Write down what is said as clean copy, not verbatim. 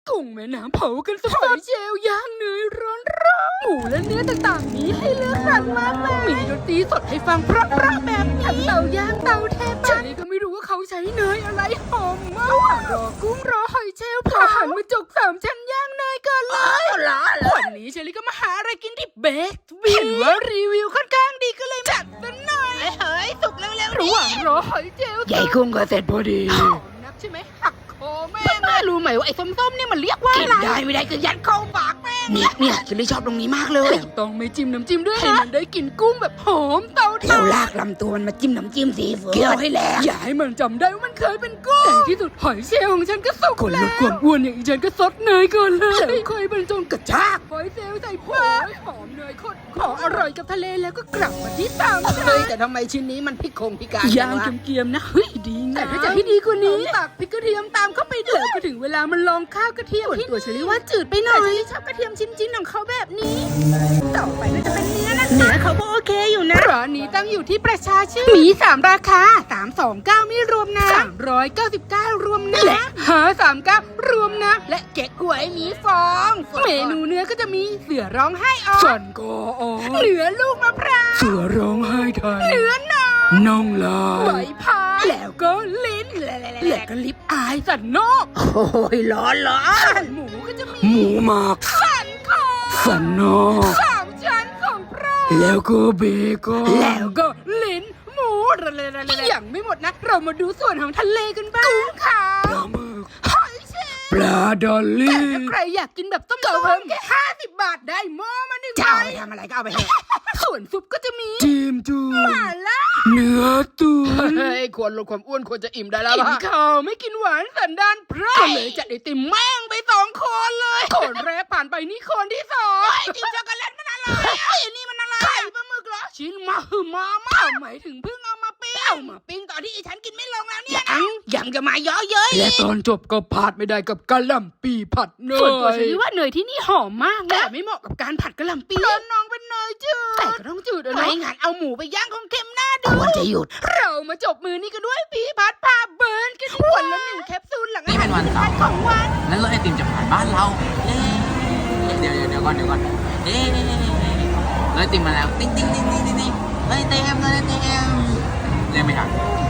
กุ้งแม่น้ำเผากันสดๆเจลย่างเนยร้อนๆหมูและเนื้อต่างๆนี้ให้เลือกสรรมากมายมีดนตรีสดให้ฟังเพราะๆแบบนี้ทั้งเตาย่างเตาเทปฉันก็ไม่รู้ว่าเขาใช้เนยอะไรหอมมากรอกุ้งรอหอยเชลล์พอหันมาจก3 ชั้นย่างเนยก่อนเลยวันนี้เชลี่ก็มาหาอะไรกินที่เบสเห็นว่ารีวิวค่อนข้างดีก็เลยจัดซะหน่อยเฮ้ยสุกเร็วๆระหว่างรอหอยเชลล์ใหญ่กุ้งก็เสร็จพอดีนักใช่ไหมหักคอแม่รู้ไหมว่าไอ้ส้มๆเนี่ยมันเรียกว่าอะไรได้ไม่ได้ก็ยัดเข้าปากแม่เนี่ยฉันเลยชอบตรงนี้มากเลยต้องไม่จิ้มน้ำจิ้มด้วยให้มันได้กลิ่นกุ้งแบบหอมเตาถ่านเราลากลำตัวมันมาจิ้มน้ำจิ้มซีฟู้ดเกี่ยวให้แหลกอย่าให้มันจำได้ว่ามันเคยเป็นกุ้งในที่สุดหอยเชลล์ของฉันก็สุกคนลดความอ้วนอย่างอีฉันก็ซดเนยก่อนเลยค่อยบรรจงกระชากหอยเชลล์ใส่ปากหอมเนยข้นขออร่อยกับทะเลแล้วก็กลับมาที่ตามเฮ้ยแต่ทำไมชิ้นนี้มันพิการย่างเกรียมๆนะเฮ้ยดีงามแต่ถ้าจะให้ดีกว่านี้ตักพริกกระเทียมตามเข้าไปเลยก็ถึงเวลามันลองข้าวกระเทียมที่ตัวเชลี่ว่าจืดไปหน่อยแต่ชอบกระเทียมชิ้นๆของเขาแบบนี้ต่อไปก็จะเป็นเนื้อเขาก็โอเคอยู่นะร้านนี้ตั้งอยู่ที่ประชาชื่นมี3ราคา329ไม่รวมนะ399รวมนะและ539รวมนะและเก๊กหวยมีฟองเมนูเนื้อก็จะมีเสือร้องไห้ออกสันกออเนื้อลูกมะพร้าวเสือร้องไห้ไทยเนื้อน่องลายใบพายแล้วก็ลิ้นและก็ลิปอายสันนอกโอ้ยร้อนหมูก็จะมีหมูหมักสันคอสันนอก 3 ชั้นของโปรดแล้วก็เบคอนแล้วก็ลิ้นหมูยังไม่หมดนะเรามาดูส่วนของทะเลกันบ้างกุ้งขาวปลาหมึกหอยเชลล์ปลาดอลลี่แต่ถ้าใครอยากกินแบบต้มเพิ่มแค่50 บาทได้หม้อมา1 จะเอาใบไปทำอะไรก็เอาไปเถอะส่วนซุปก็จะมีจิ้มจุ่มมาล่าเนื้อตุ๋นควรลดความอ้วนควรจะอิ่มได้แล้วกินข้าวไม่กินหวานสันดานพระก็เลยจัดไอติมแม่งไป2 คนเลยคนแรกผ่านไปนี่คนที่2ไอติมช็อกโกแลตมันอะไรอันนี้มันอะไรไข่ปลาหมึกเหรอชิ้นมาหมายถึงเพิ่งเอามาปิ้งตอนที่ฉันกินไม่ลงแล้วเนี่ยยังจะมาเยอะเย้ยและตอนจบก็พลาดไม่ได้กับกะหล่ำปีผัดเนยส่วนตัวฉันว่าเนยที่นี่หอมมากแต่ไม่เหมาะกับการผัดกะหล่ำปีน้องเป็นเนยจืดแต่ก็ต้องจืดไม่นะงั้นเอาหมูไปย่างของเค็มหน้าดูควรจะหยุดเรามาจบมือนี้กันด้วยปีผัดพาเบิร์นกันวันละ1 แคปซูลหลังอาหารของวันแล้วรถไอติมจะผ่านบ้านเราเดี๋ยวก่อนรถไอติมมาแล้วติ๊งเลยเต็มเล่นไม่ทัน